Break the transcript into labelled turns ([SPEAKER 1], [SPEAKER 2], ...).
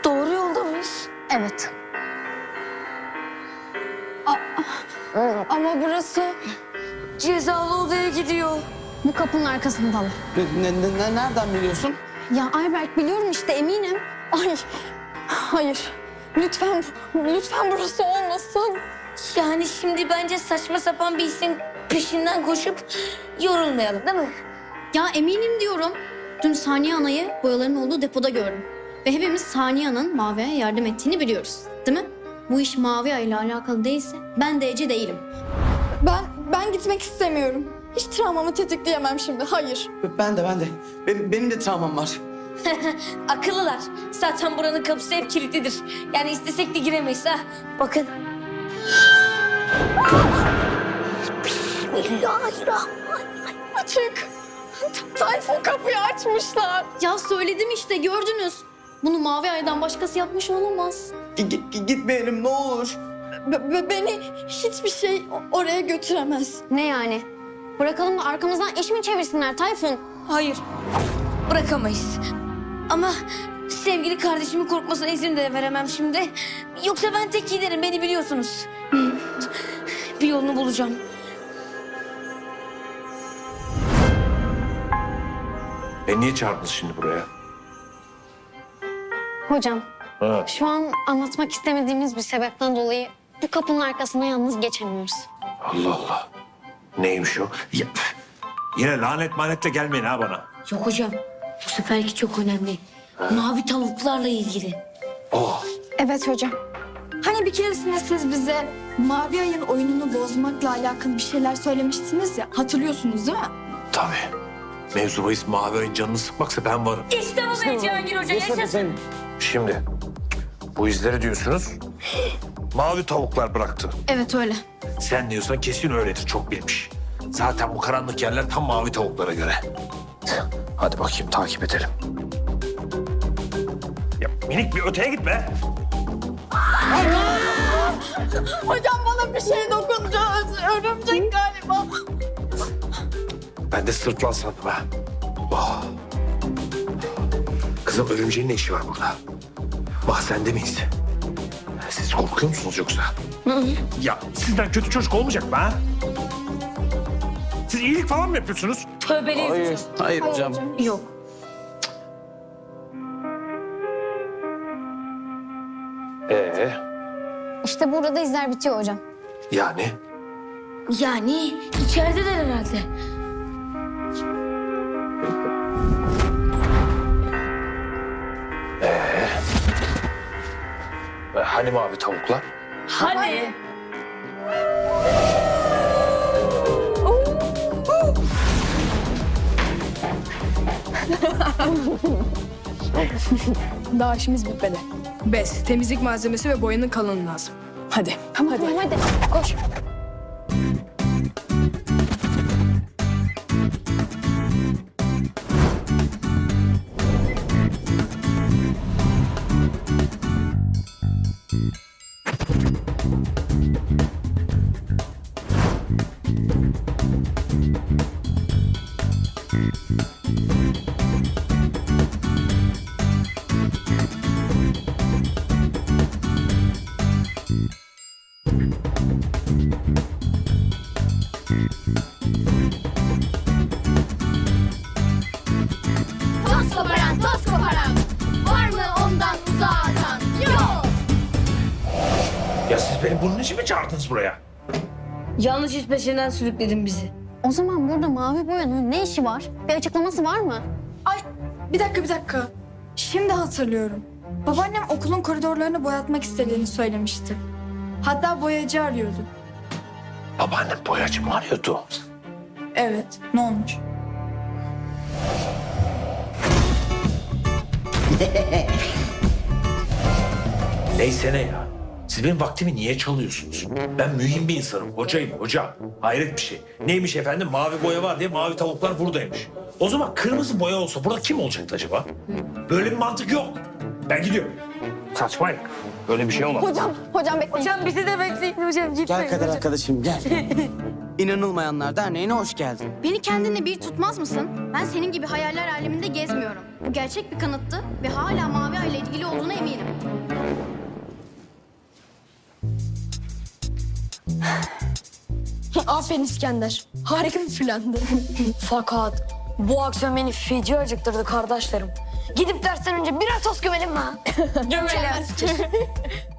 [SPEAKER 1] Doğru yolda mıyız?
[SPEAKER 2] Evet. Ama burası
[SPEAKER 1] Cezalı odaya gidiyor.
[SPEAKER 2] bu kapının arkasındalar.
[SPEAKER 3] Nereden biliyorsun?
[SPEAKER 2] Ya Ayberk biliyorum işte eminim. Ay hayır. Lütfen burası olmasın.
[SPEAKER 1] Yani şimdi bence saçma sapan bir isim peşinden koşup yorulmayalım değil mi?
[SPEAKER 2] Ya eminim diyorum. Dün Saniye Ana'yı boyaların olduğu depoda gördüm. Ve hepimiz Saniye Ana'nın Mavi'ye yardım ettiğini biliyoruz. Değil mi? Bu iş Mavi Ay ile alakalı değilse ben de Ece değilim. Ben gitmek istemiyorum. Hiç travmamı tetikleyemem şimdi. Hayır.
[SPEAKER 3] Ben de. Benim de travmam var.
[SPEAKER 1] Akıllılar. Zaten buranın kapısı hep kilitlidir. Yani istesek de giremeyiz ha. Bakın. Bismillahirrahmanirrahim.
[SPEAKER 2] Açık. Tayfun kapıyı açmışlar. Ya söyledim işte gördünüz. Bunu Mavi Ay'dan başkası yapmış olamaz.
[SPEAKER 3] Gitmeyelim ne olur.
[SPEAKER 2] Beni hiçbir şey oraya götüremez. Ne yani? Bırakalım da arkamızdan iş mi çevirsinler Tayfun?
[SPEAKER 1] Hayır. Bırakamayız. Ama sevgili kardeşimin korkmasına izin de veremem şimdi. Yoksa ben tek giderim, beni biliyorsunuz. Bir yolunu bulacağım.
[SPEAKER 4] Niye çağırdınız şimdi buraya?
[SPEAKER 2] Hocam,
[SPEAKER 4] Ha.
[SPEAKER 2] şu an anlatmak istemediğimiz bir sebepten dolayı bu kapının arkasına yalnız geçemiyoruz.
[SPEAKER 4] Allah Allah. Neymiş o? Ya, yine lanet manetle gelmeyin ha bana.
[SPEAKER 1] Yok hocam, bu seferki çok önemli. Mavi tavuklarla ilgili.
[SPEAKER 4] Oh.
[SPEAKER 5] Evet hocam. Hani bir keresinde siz bize Mavi Ay'ın oyununu bozmakla alakalı bir şeyler söylemiştiniz ya. Hatırlıyorsunuz değil mi?
[SPEAKER 4] Tabii. Mevzu bahis Mavi Ay'ın canını sıkmaksa ben varım.
[SPEAKER 1] İşte bu be Cihangir Hoca, yaşasın.
[SPEAKER 4] Şimdi bu izleri diyorsunuz mavi tavuklar bıraktı.
[SPEAKER 2] Evet öyle.
[SPEAKER 4] Sen diyorsan kesin öyledir, çok bilmiş. Zaten bu karanlık yerler tam mavi tavuklara göre. Hadi bakayım takip edelim. Ya minik bir öteye gitme.
[SPEAKER 2] Hocam bana bir şey dokundu. Örümcek galiba.
[SPEAKER 4] Ben de sırtlan sandım ha. Oh. Kızım örümceğin ne işi var burada? Mahzende miyiz? Siz korkuyor musunuz yoksa? Ya sizden kötü çocuk olmayacak mı ha? Siz iyilik falan mı yapıyorsunuz?
[SPEAKER 1] Tövbeliyiz.
[SPEAKER 3] Hayır hocam.
[SPEAKER 1] Yok.
[SPEAKER 2] İşte burada izler bitiyor hocam.
[SPEAKER 4] Yani?
[SPEAKER 1] Yani içerideler herhalde.
[SPEAKER 4] Hani mavi tavuklar?
[SPEAKER 1] Hani?
[SPEAKER 6] Daha işimiz bitmedi. Bez, temizlik malzemesi ve boyanın kalını lazım. Hadi.
[SPEAKER 2] Tamam hadi. Koş.
[SPEAKER 7] Toz koparan. Var mı ondan uzağa atan? Yok.
[SPEAKER 4] Ya siz beni bunun için mi çağırdınız buraya?
[SPEAKER 1] Yanlış iş peşinden sürükledin bizi.
[SPEAKER 2] O zaman burada mavi boyanın ne işi var? Bir açıklaması var mı?
[SPEAKER 5] Ay bir dakika. Şimdi hatırlıyorum. Babaannem okulun koridorlarını boyatmak istediğini söylemişti. Hatta boyacı arıyordu.
[SPEAKER 4] Babaannem boyacı mı arıyordu?
[SPEAKER 5] Evet, ne olmuş?
[SPEAKER 4] Neyse ne ya. Siz benim vaktimi niye çalıyorsunuz? Ben mühim bir insanım. Hocayım hoca. Hayret bir şey. Neymiş efendim? Mavi boya var diye mavi tavuklar buradaymış. O zaman kırmızı boya olsa burada kim olacaktı acaba? Böyle bir mantık yok. Ben gidiyorum. Saçmayın. Böyle bir şey olmaz.
[SPEAKER 2] Hocam bekleyin.
[SPEAKER 1] Hocam bizi de bekleyin hocam.
[SPEAKER 3] Gel Kader arkadaşım gel. İnanılmayanlar Derneği'ne hoş geldin.
[SPEAKER 7] Beni kendine bir tutmaz mısın? Ben senin gibi hayaller aleminde gezmiyorum. Bu gerçek bir kanıttı ve hala Mavi Ay ile ilgili olduğuna eminim.
[SPEAKER 6] Aferin İskender. Harika bir plandı.
[SPEAKER 1] Fakat bu akşam beni feci acıktırdı kardeşlerim. Gidip dersten önce birer tost gömelim mi?
[SPEAKER 6] Gömelim.